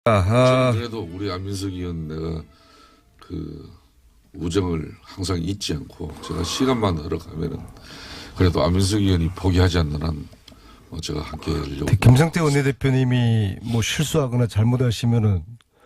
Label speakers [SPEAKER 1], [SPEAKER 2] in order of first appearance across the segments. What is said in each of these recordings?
[SPEAKER 1] 아하.
[SPEAKER 2] 저는 그래도 우리 안민석 의원 내가 그 우정을 항상 잊지 않고 제가 시간만 흘러가면은 그래도 안민석 의원이 포기하지 않는 한 제가 함께 하려고.
[SPEAKER 3] 김성태 원내대표님이 뭐 실수하거나 잘못하시면은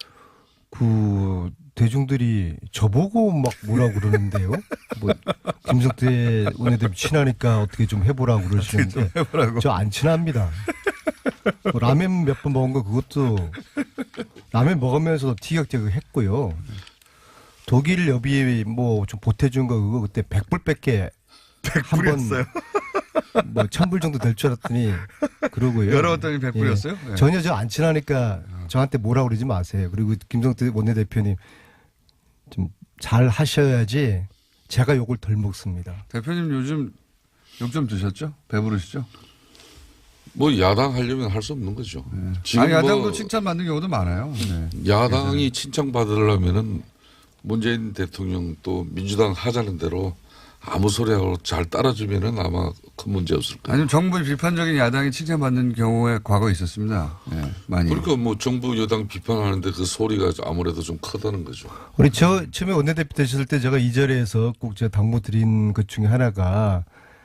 [SPEAKER 3] 그 대중들이 저보고 막 뭐라 그러는데요. 뭐 김성태 원내대표 친하니까 어떻게 좀 해보라고 그러시는데 저 안 친합니다. 뭐 라면 몇 번 먹은 거 그것도 라면 먹으면서 티격태격 했고요. 독일 여비 뭐 좀 보태준 거 그거 그때 100불밖에 한번 뭐 1000불 정도 될 줄 알았더니 그러고요.
[SPEAKER 1] 열어봤더니 100불이었어요?
[SPEAKER 3] 예.
[SPEAKER 1] 네.
[SPEAKER 3] 전혀 저 안 친하니까 저한테 뭐라 그러지 마세요. 그리고 김성태 원내대표님 좀 잘 하셔야지 제가 욕을 덜 먹습니다.
[SPEAKER 1] 대표님 요즘 욕 좀 드셨죠? 배부르시죠?
[SPEAKER 2] 뭐 야당 하려면 할 수 없는 거죠.
[SPEAKER 1] 네.
[SPEAKER 2] 지금
[SPEAKER 1] 아니, 야당도
[SPEAKER 2] 뭐
[SPEAKER 1] 칭찬받는 경우도 많아요. 네.
[SPEAKER 2] 야당이 칭찬받으려면은 문재인 대통령 또 민주당 하자는 대로 아무 소리하고 잘 따라주면은 아마 큰 문제 없을 거예요.
[SPEAKER 1] 아니면 정부 비판적인 야당이 칭찬받는 경우에 과거에 있었습니다. 네, 많이.
[SPEAKER 2] 그러니까 뭐 정부 여당 비판하는데 그 소리가 아무래도 좀 크다는 거죠.
[SPEAKER 3] 우리 처음에 원내대표 되셨을 때 제가 이 자리에서 꼭 제가 당부 드린 것 중에 하나가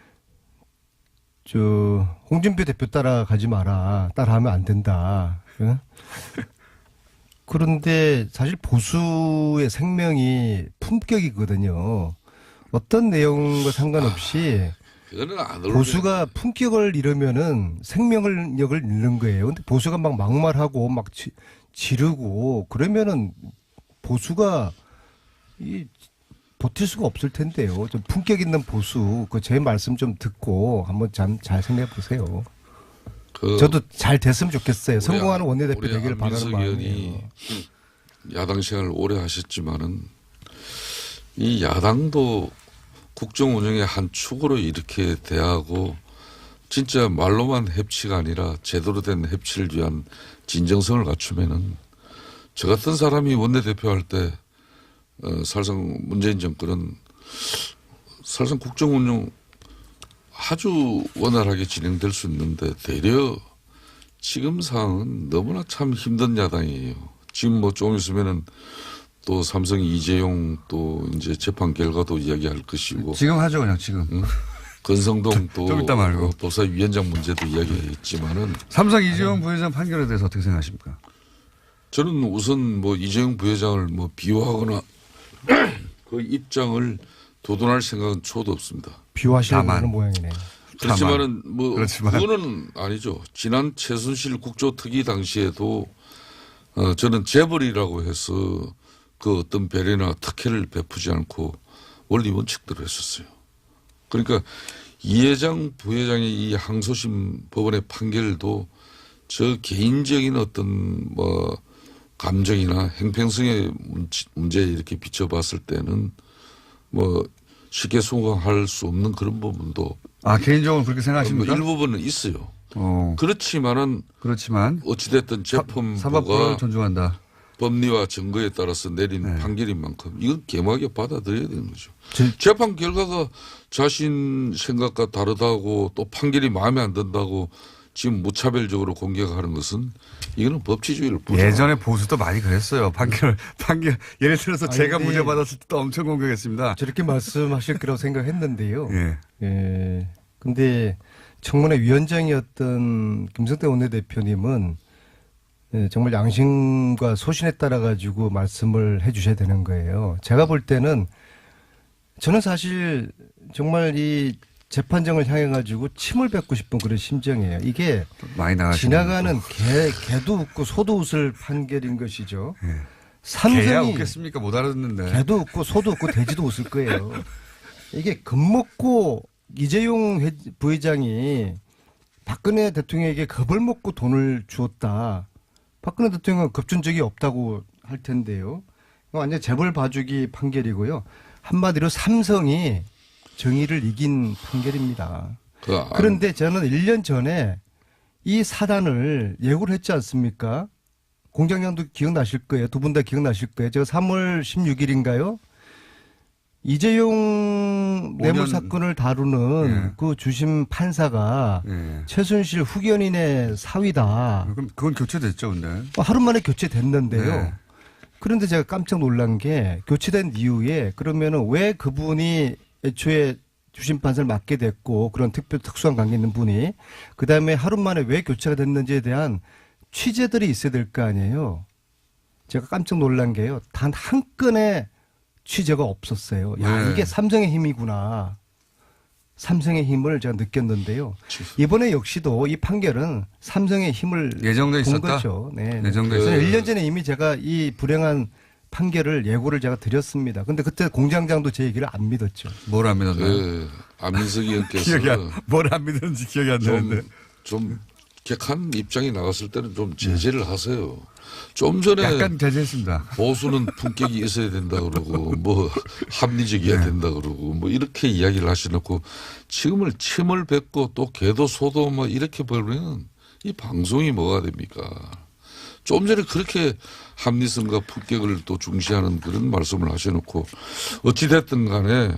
[SPEAKER 3] 저 홍준표 대표 따라가지 마라. 따라하면 안 된다. 예? 그런데 사실 보수의 생명이 품격이거든요. 어떤 내용과 상관없이
[SPEAKER 2] 그거는 안 어울려요.
[SPEAKER 3] 보수가 품격을 잃으면은 생명력을 잃는 거예요. 근데 보수가 막 막말하고 막 지르고 그러면은 보수가 버틸 수가 없을 텐데요. 좀 품격 있는 보수, 그 제 말씀 좀 듣고 한번 잘 생각해 보세요. 저도 잘 됐으면 좋겠어요. 성공하는 원내대표 되기를 바라는 마음이에요.
[SPEAKER 2] 야당 생활을 오래 하셨지만은 이 야당도 국정 운영의 한 축으로 이렇게 대하고 진짜 말로만 협치가 아니라 제대로 된 협치를 위한 진정성을 갖추면은 저 같은 사람이 원내대표 할 때 사실상 문재인 정권은 사실상 국정 운영 아주 원활하게 진행될 수 있는데 되려 지금 상황은 너무나 참 힘든 야당이에요. 지금 뭐 조금 있으면은 또 삼성 이재용 또 이제 재판 결과도 이야기할 것이고.
[SPEAKER 1] 지금 하죠, 그냥 지금.
[SPEAKER 2] 응? 건성동 또
[SPEAKER 1] 좀 이따 말고.
[SPEAKER 2] 법사위원장 문제도 이야기했지만은.
[SPEAKER 1] 삼성 이재용 부회장 판결에 대해서 어떻게 생각하십니까?
[SPEAKER 2] 저는 우선 뭐 이재용 부회장을 뭐 비호하거나 그 입장을 도돈할 생각은 초도 없습니다.
[SPEAKER 3] 비호하시려고 하는 모양이네요.
[SPEAKER 2] 그렇지만은 뭐 그거는 아니죠. 지난 최순실 국조특위 당시에도 저는 재벌이라고 해서 그 어떤 배려나 특혜를 베푸지 않고 원리 원칙대로 했었어요. 그러니까 이 회장 부회장의 이 항소심 법원의 판결도 저 개인적인 어떤 뭐 감정이나 행평성의 문제에 이렇게 비춰봤을 때는 뭐 쉽게 수긍할 수 없는 그런 부분도
[SPEAKER 1] 개인적으로 그렇게 생각하십니까?
[SPEAKER 2] 일부분은 있어요. 그렇지만 어찌됐든 재판부가
[SPEAKER 1] 사법부를 존중한다.
[SPEAKER 2] 법리와 증거에 따라서 내린 판결인 만큼 이건 개막에 받아들여야 되는 거죠. 재판 결과가 자신 생각과 다르다고 또 판결이 마음에 안 든다고 지금 무차별적으로 공격하는 것은 이거는 법치주의를
[SPEAKER 1] 예전에 보수도 많이 그랬어요. 판결 예를 들어서 제가 무죄 받았을 때도 엄청 공격했습니다.
[SPEAKER 3] 저렇게 말씀하실 거라고 생각했는데요. 예. 근데 청문회 위원장이었던 김성태 원내대표님은 정말 양심과 소신에 따라 가지고 말씀을 해 주셔야 되는 거예요. 제가 볼 때는 저는 사실 정말 이 재판정을 향해 가지고 침을 뱉고 싶은 그런 심정이에요. 이게
[SPEAKER 1] 많이
[SPEAKER 3] 지나가는 개도 웃고 소도 웃을 판결인 것이죠.
[SPEAKER 1] 개야 웃겠습니까? 못 알아듣는데.
[SPEAKER 3] 개도 웃고 소도 웃고 돼지도 웃을 거예요. 이게 겁먹고 이재용 부회장이 박근혜 대통령에게 겁을 먹고 돈을 주었다. 박근혜 대통령은 겁준 적이 없다고 할 텐데요. 완전 재벌 봐주기 판결이고요. 한마디로 삼성이 정의를 이긴 판결입니다. 그런데 저는 1년 전에 이 사단을 예고를 했지 않습니까? 공장장도 기억나실 거예요. 두 분 다 기억나실 거예요. 제가 3월 16일인가요? 이재용 뇌물
[SPEAKER 1] 5년.
[SPEAKER 3] 사건을 다루는
[SPEAKER 1] 예.
[SPEAKER 3] 그 주심 판사가
[SPEAKER 1] 예.
[SPEAKER 3] 최순실 후견인의 사위다.
[SPEAKER 1] 그럼 그건 교체됐죠, 근데.
[SPEAKER 3] 하루 만에 교체됐는데요.
[SPEAKER 1] 네.
[SPEAKER 3] 그런데 제가 깜짝 놀란 게 교체된 이후에 그러면은 왜 그분이 애초에 주심 판사를 맡게 됐고 그런 특수한 관계 있는 분이 그다음에 하루 만에 왜 교체가 됐는지에 대한 취재들이 있어야 될 거 아니에요. 제가 깜짝 놀란 게요. 단 한 건의 취재가 없었어요. 야,
[SPEAKER 1] 네.
[SPEAKER 3] 이게 삼성의 힘이구나. 삼성의 힘을 제가 느꼈는데요. 이번에 역시도 이 판결은 삼성의 힘을
[SPEAKER 1] 예정돼
[SPEAKER 3] 본
[SPEAKER 1] 있었다?
[SPEAKER 3] 거죠. 네.
[SPEAKER 1] 예정돼
[SPEAKER 3] 그래서
[SPEAKER 1] 있었다.
[SPEAKER 3] 1년 전에 이미 제가 이 불행한 판결을 예고를 제가 드렸습니다. 근데 그때 공장장도 제 얘기를 안 믿었죠.
[SPEAKER 1] 뭘 안 믿었나요?
[SPEAKER 2] 그 안민석 의원께서
[SPEAKER 1] 뭘 안 믿었는지 기억이 안 나는데.
[SPEAKER 2] 좀 객한 입장이 나갔을 때는 좀 제재를 하세요. 좀 전에
[SPEAKER 1] 약간 제재했습니다.
[SPEAKER 2] 보수는 품격이 있어야 된다 그러고 뭐 합리적이어야
[SPEAKER 1] 네.
[SPEAKER 2] 된다 그러고 뭐 이렇게 이야기를 하시놓고 지금을 침을 뱉고 또 개도 소도 뭐 이렇게 벌면 이 방송이 뭐가 됩니까? 좀 전에 그렇게 합리성과 품격을 또 중시하는 그런 말씀을 하셔놓고 어찌됐든 간에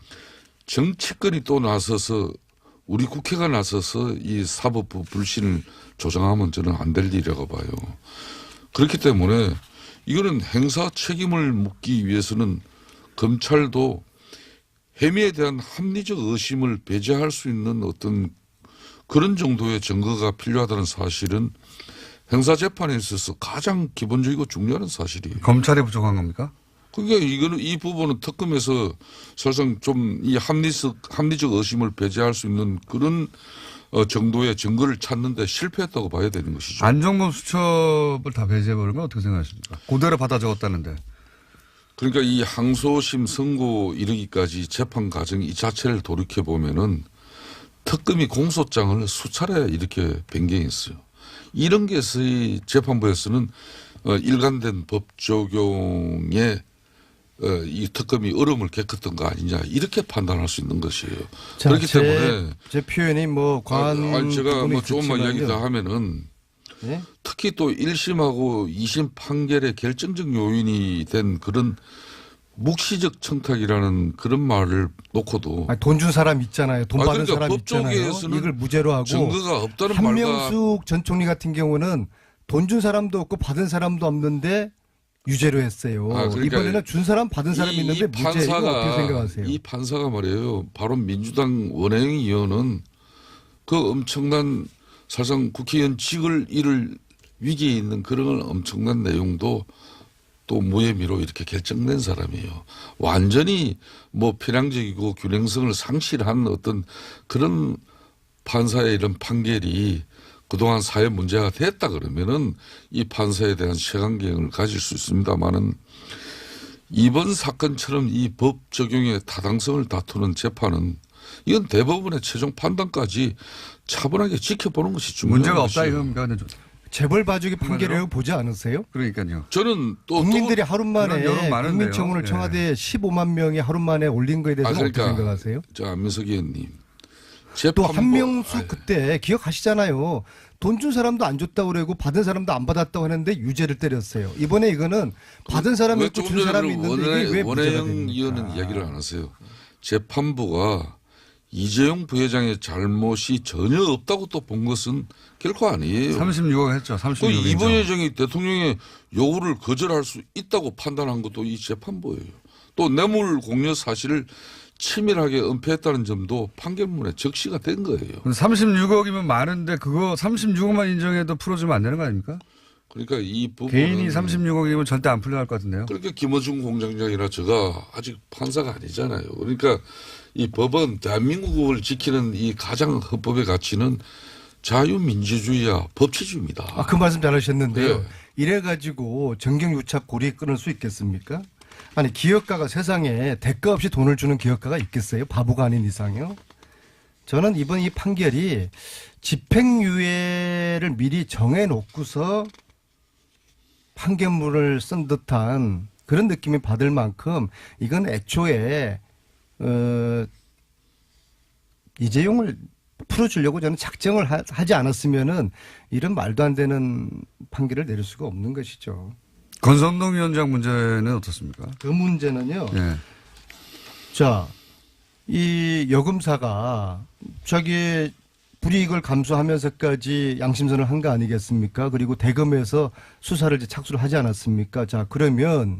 [SPEAKER 2] 정치권이 또 나서서 우리 국회가 나서서 이 사법부 불신을 조장하면 저는 안 될 일이라고 봐요. 그렇기 때문에 이거는 행사 책임을 묻기 위해서는 검찰도 혐의에 대한 합리적 의심을 배제할 수 있는 어떤 그런 정도의 증거가 필요하다는 사실은 형사재판에 있어서 가장 기본적이고 중요한 사실이에요.
[SPEAKER 1] 검찰이 부족한 겁니까?
[SPEAKER 2] 그러니까 이거는 이 부분은 특검에서 사실상 좀 이 합리적 의심을 배제할 수 있는 그런 정도의 증거를 찾는데 실패했다고 봐야 되는 것이죠.
[SPEAKER 1] 안종범 수첩을 다 배제해버리면 어떻게 생각하십니까? 그대로 받아 적었다는데.
[SPEAKER 2] 그러니까 이 항소심 선고 이르기까지 재판 과정 이 자체를 돌이켜 보면은 특검이 공소장을 수차례 이렇게 변경했어요. 이런 게 이 재판부에서는 일관된 법 적용에 이 특검이 얼음을 겪었던 거 아니냐 이렇게 판단할 수 있는 것이에요.
[SPEAKER 3] 자,
[SPEAKER 2] 그렇기 때문에
[SPEAKER 3] 제 표현이 뭐 과한
[SPEAKER 2] 제가
[SPEAKER 3] 부분이
[SPEAKER 2] 뭐 조금만 이야기
[SPEAKER 3] 있었지만요.
[SPEAKER 2] 더 하면은
[SPEAKER 3] 예?
[SPEAKER 2] 특히 또 1심하고 2심 판결의 결정적 요인이 된 그런 묵시적 청탁이라는 그런 말을 놓고도
[SPEAKER 3] 돈 준 사람 있잖아요. 돈 받은
[SPEAKER 2] 그러니까
[SPEAKER 3] 사람
[SPEAKER 2] 법
[SPEAKER 3] 있잖아요.
[SPEAKER 2] 쪽에서는
[SPEAKER 3] 이걸 무죄로 하고
[SPEAKER 2] 증거가 없다는 말과
[SPEAKER 3] 한명숙 전 총리 같은 경우는 돈 준 사람도 없고 받은 사람도 없는데 유죄로 했어요.
[SPEAKER 2] 그러니까
[SPEAKER 3] 이번에는 준 사람 받은 사람이 있는데 무죄. 이거 어떻게 생각하세요?
[SPEAKER 2] 이 판사가 말이에요. 바로 민주당 원혜영 의원은 그 엄청난 사실상 국회의원직을 잃을 위기에 있는 그런 엄청난 내용도 또 무혐의로 이렇게 결정된 사람이에요. 완전히 뭐 편향적이고 균형성을 상실한 어떤 그런 판사의 이런 판결이 그동안 사회 문제가 됐다 그러면은 이 판사에 대한 색안경을 가질 수 있습니다만은 이번 사건처럼 이 법 적용의 타당성을 다투는 재판은 이건 대법원의 최종 판단까지 차분하게 지켜보는 것이 중요한
[SPEAKER 1] 문제가 없다
[SPEAKER 2] 것이에요.
[SPEAKER 1] 이겁니까? 근데
[SPEAKER 3] 재벌 봐주기 판결이라고 보지 않으세요?
[SPEAKER 1] 그러니까요.
[SPEAKER 2] 저는 또
[SPEAKER 3] 국민들이 하루
[SPEAKER 1] 그런 여론
[SPEAKER 3] 만에
[SPEAKER 1] 많은데요.
[SPEAKER 3] 국민청원을
[SPEAKER 1] 예.
[SPEAKER 3] 청와대에 15만 명이 하루 만에 올린 거에 대해서
[SPEAKER 2] 그러니까
[SPEAKER 3] 어떻게 생각하세요?
[SPEAKER 2] 저 안민석 의원님
[SPEAKER 3] 또
[SPEAKER 2] 재판부
[SPEAKER 3] 한명숙 그때 기억하시잖아요. 돈 준 사람도 안 줬다고 그러고 받은 사람도 안 받았다고 하는데 유죄를 때렸어요. 이번에 이거는 받은 사람이
[SPEAKER 2] 왜
[SPEAKER 3] 있고
[SPEAKER 2] 조금
[SPEAKER 3] 준
[SPEAKER 2] 전에
[SPEAKER 3] 사람이 있는데 이게 왜 무죄가
[SPEAKER 2] 원혜영
[SPEAKER 3] 됩니까?
[SPEAKER 2] 의원은 이야기를 안 하세요. 재판부가 이재용 부회장의 잘못이 전혀 없다고 또 본 것은 결코 아니에요.
[SPEAKER 1] 36억 했죠.
[SPEAKER 2] 그
[SPEAKER 1] 36억.
[SPEAKER 2] 이 부회장이 대통령의 요구를 거절할 수 있다고 판단한 것도 이 재판부예요. 또 뇌물 공여 사실을 치밀하게 은폐했다는 점도 판결문에 적시가 된 거예요.
[SPEAKER 1] 36억이면 많은데 그거 36억만 인정해도 풀어주면 안 되는 거 아닙니까?
[SPEAKER 2] 그러니까 이 부분은
[SPEAKER 1] 개인이 36억이면 절대 안 풀려날 것 같은데요.
[SPEAKER 2] 그러니까 김어준 공장장이나 제가 아직 판사가 아니잖아요. 그러니까 이 법은 대한민국을 지키는 이 가장 헌법의 가치는 자유민주주의와 법치주의입니다.
[SPEAKER 3] 그 말씀 잘하셨는데요.
[SPEAKER 2] 네.
[SPEAKER 3] 이래가지고 정경유착 고리 끊을 수 있겠습니까? 아니 기업가가 세상에 대가 없이 돈을 주는 기업가가 있겠어요? 바보가 아닌 이상요. 저는 이번 이 판결이 집행유예를 미리 정해놓고서 판결문을 쓴 듯한 그런 느낌이 받을 만큼 이건 애초에 이재용을 풀어주려고 저는 작정을 하지 않았으면은 이런 말도 안 되는 판결을 내릴 수가 없는 것이죠.
[SPEAKER 1] 권성동 위원장 문제는 어떻습니까?
[SPEAKER 3] 그 문제는요.
[SPEAKER 1] 예.
[SPEAKER 3] 자, 이 여검사가 자기의 불이익을 감수하면서까지 양심선을 한 거 아니겠습니까? 그리고 대검에서 수사를 이제 착수를 하지 않았습니까? 자, 그러면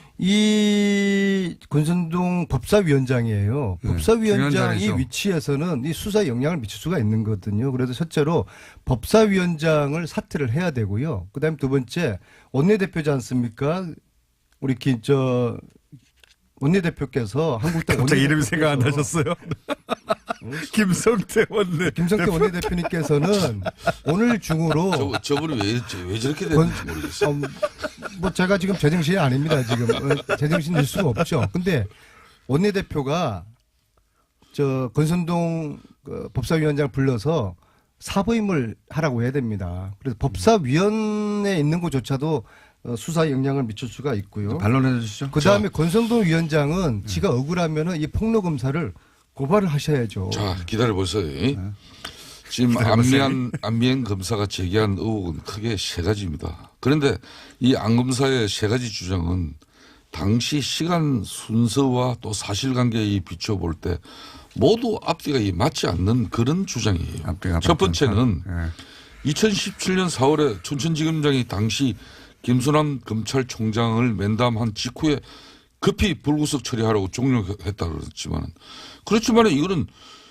[SPEAKER 3] 이 권선동 법사위원장이에요.
[SPEAKER 1] 네,
[SPEAKER 3] 법사위원장이
[SPEAKER 1] 중요한 자리죠.
[SPEAKER 3] 위치에서는 이 수사에 영향을 미칠 수가 있는 거거든요. 그래서 첫째로 법사위원장을 사퇴를 해야 되고요. 그다음에 두 번째 원내대표지 않습니까? 우리 원내대표께서 한국당
[SPEAKER 1] 갑자기 이름이
[SPEAKER 3] 원내대표께서
[SPEAKER 1] 생각 안 나셨어요? 김성태 원내.
[SPEAKER 3] 김성태 원내대표님께서는 오늘 중으로
[SPEAKER 2] 저분이 왜 저렇게 됐는지 모르겠어요.
[SPEAKER 3] 뭐 제가 지금 제정신이 아닙니다. 지금 제정신일 수가 없죠. 근데 원내대표가 권선동 법사위원장을 불러서 사부임을 하라고 해야 됩니다. 그래서 법사위원회에 있는 것조차도 수사에 영향을 미칠 수가 있고요.
[SPEAKER 1] 반론해 주시죠.
[SPEAKER 3] 그다음에 권성동 위원장은 지가 억울하면은 이 폭로 검사를 고발을 하셔야죠.
[SPEAKER 2] 자, 기다려보세요.
[SPEAKER 1] 네.
[SPEAKER 2] 지금 안미연 검사가 제기한 의혹은 크게 세 가지입니다. 그런데 이 안 검사의 세 가지 주장은 당시 시간 순서와 또 사실관계에 비춰볼 때 모두 앞뒤가 맞지 않는 그런 주장이에요.
[SPEAKER 1] 앞뒤가
[SPEAKER 2] 첫 번째는
[SPEAKER 1] 네.
[SPEAKER 2] 2017년 4월에 춘천지검장이 당시 김순남 검찰총장을 면담한 직후에 급히 불구속 처리하라고 종료했다 그렇지만 이거는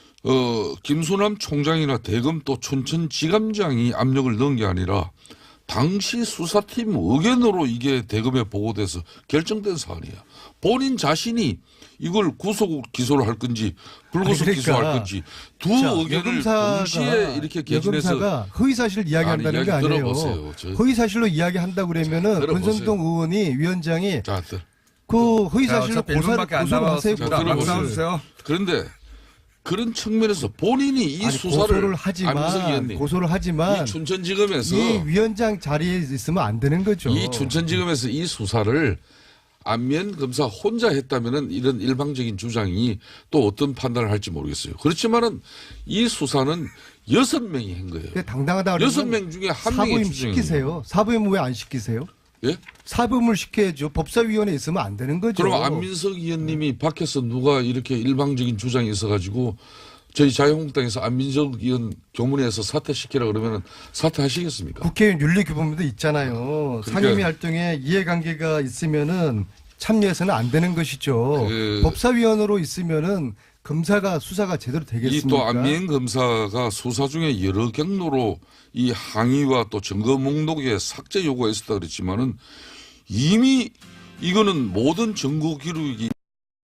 [SPEAKER 2] 김순남 총장이나 대검 또 춘천지검장이 압력을 넣은 게 아니라 당시 수사팀 의견으로 이게 대검에 보고돼서 결정된 사안이야. 본인 자신이 이걸 구속 기소를 할 건지 불구속
[SPEAKER 3] 그러니까
[SPEAKER 2] 기소할 건지 두 의견을 동시에 이렇게 개진해서
[SPEAKER 3] 여검사가 허위 사실을 이야기한다는 게
[SPEAKER 2] 이야기
[SPEAKER 3] 아니에요.
[SPEAKER 2] 들어보세요.
[SPEAKER 3] 허위 사실로 이야기한다 그러면은
[SPEAKER 2] 들어보세요.
[SPEAKER 3] 권선동 의원이 위원장이
[SPEAKER 2] 자,
[SPEAKER 3] 그 허위
[SPEAKER 1] 자,
[SPEAKER 3] 사실로
[SPEAKER 1] 어차피 1분밖에 안
[SPEAKER 3] 고소를 하세요.
[SPEAKER 2] 자,
[SPEAKER 1] 남았습니다.
[SPEAKER 2] 들어보세요.
[SPEAKER 1] 말씀하세요.
[SPEAKER 2] 그런데 그런 측면에서 본인이 이
[SPEAKER 3] 아니,
[SPEAKER 2] 수사를
[SPEAKER 3] 고소를
[SPEAKER 2] 안민석
[SPEAKER 3] 하지만
[SPEAKER 2] 의원님, 이 춘천지검에서
[SPEAKER 3] 이 위원장 자리에 있으면 안 되는 거죠.
[SPEAKER 2] 이 춘천지검에서 이 수사를 안면 검사 혼자 했다면은 이런 일방적인 주장이 또 어떤 판단을 할지 모르겠어요. 그렇지만은 이 수사는 6명이 한 거예요.
[SPEAKER 3] 당당하다.
[SPEAKER 2] 6명 중에 한 명의
[SPEAKER 3] 사부임
[SPEAKER 2] 주장이에요.
[SPEAKER 3] 시키세요. 사부임 왜 안 시키세요?
[SPEAKER 2] 예?
[SPEAKER 3] 사부임을 시켜야죠. 법사위원회에 있으면 안 되는 거죠.
[SPEAKER 2] 그럼 안민석 의원님이 밖에서 누가 이렇게 일방적인 주장이 있어가지고 저희 자유한국당에서 안민석 의원 교문에서 사퇴시키라 그러면 사퇴하시겠습니까?
[SPEAKER 3] 국회의원 윤리규범도 있잖아요.
[SPEAKER 2] 그러니까
[SPEAKER 3] 상임위 활동에 이해관계가 있으면은 참여해서는 안 되는 것이죠. 법사위원으로 있으면은 검사가 수사가 제대로 되겠습니까?
[SPEAKER 2] 이 또 안미연 검사가 수사 중에 여러 경로로 이 항의와 또 증거 목록에 삭제 요구가 있었다 그랬지만은 이미 이거는 모든 증거 기록이